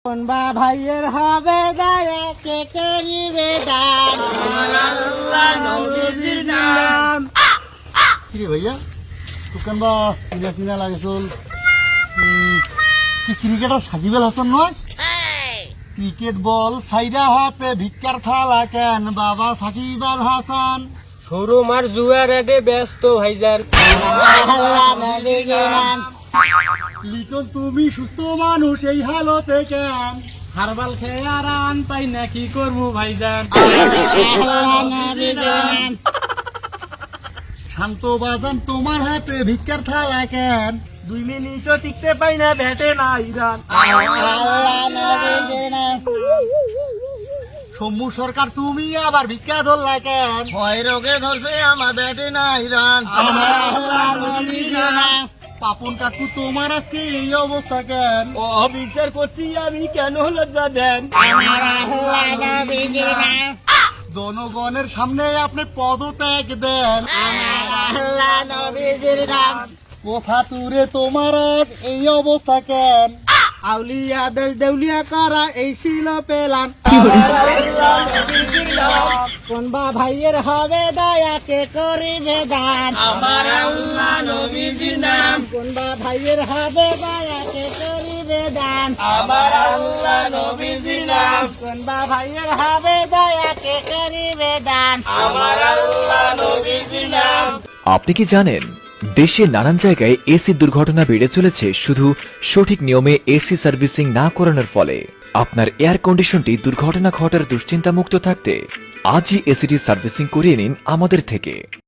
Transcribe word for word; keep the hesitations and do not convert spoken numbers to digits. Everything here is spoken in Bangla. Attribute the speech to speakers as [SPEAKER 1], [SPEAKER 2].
[SPEAKER 1] কোনবা ভাইয়ের হবে দয়া কে করিবে দান আল্লাহ নবীর নাম।
[SPEAKER 2] কিরে ভাইয়া দোকান বা কিনা কিনা লাগে চল কি ক্রিকেটার সাকিব আল হাসান নয়? ক্রিকেট বল সাইডা হাতে ভিক্ষার থালা কেন বাবা সাকিব আল হাসান?
[SPEAKER 1] শোরুম আর জুয়ার এডে ব্যস্ত ভাইজান আল্লাহ নবীর নাম।
[SPEAKER 2] লিটন তুমি সুস্থ মানুষ এই হালতে কেন?
[SPEAKER 1] হারবাল খেয়ে আর আন পাই না কি করবো ভাইজান আল্লাহ নবীর নাম।
[SPEAKER 2] শান্ত বাজান তোমার হাতে ভিক্ষার থালা কেন?
[SPEAKER 1] দুই মিনিটও টিকতে পাই না ব্যাটে না ইরান আল্লাহ নবীর নাম।
[SPEAKER 2] সমু সরকার তুমি আবার ভিক্ষা ধরলা কেন?
[SPEAKER 1] ভয় রোগে ধরছে আমার ব্যাটে না ইরান আল্লাহ নবীর নাম।
[SPEAKER 2] পাপন কাকু তোমার আজকে এই অবস্থা কেন?
[SPEAKER 1] ও বিচার করছি আমি কেন লজ্জা দেন আমার আল্লাহ নবীর নাম।
[SPEAKER 2] জনগণের সামনে আপনি পদত্যাগ দেন
[SPEAKER 1] আমার আল্লাহ নবীর নাম।
[SPEAKER 2] কোথা তুরে তোমার আজ এই অবস্থা কেন?
[SPEAKER 1] আউলিয়া দেশ দেউলিয়া করা এই ছিল পেলাম কোনবা ভাইয়ের হবে দয়া কে করিবে দান আমার আল্লাহ নবীর নাম। কোনবা ভাইয়ের হবে দয়া কে করিবে দান আমার আল্লাহ নবীর নাম। কোনবা ভাইয়ের হবে দয়া কে করিবে দান আমার আল্লাহ নবীর নাম।
[SPEAKER 3] আপনি কি জানেন দেশের নানান জায়গায় এসি দুর্ঘটনা বেড়ে চলেছে শুধু সঠিক নিয়মে এসি সার্ভিসিং না করানোর ফলে? আপনার এয়ার কন্ডিশনটি দুর্ঘটনা ঘটার দুশ্চিন্তা মুক্ত থাকতে আজই এসিটি সার্ভিসিং করিয়ে নিন আমাদের থেকে।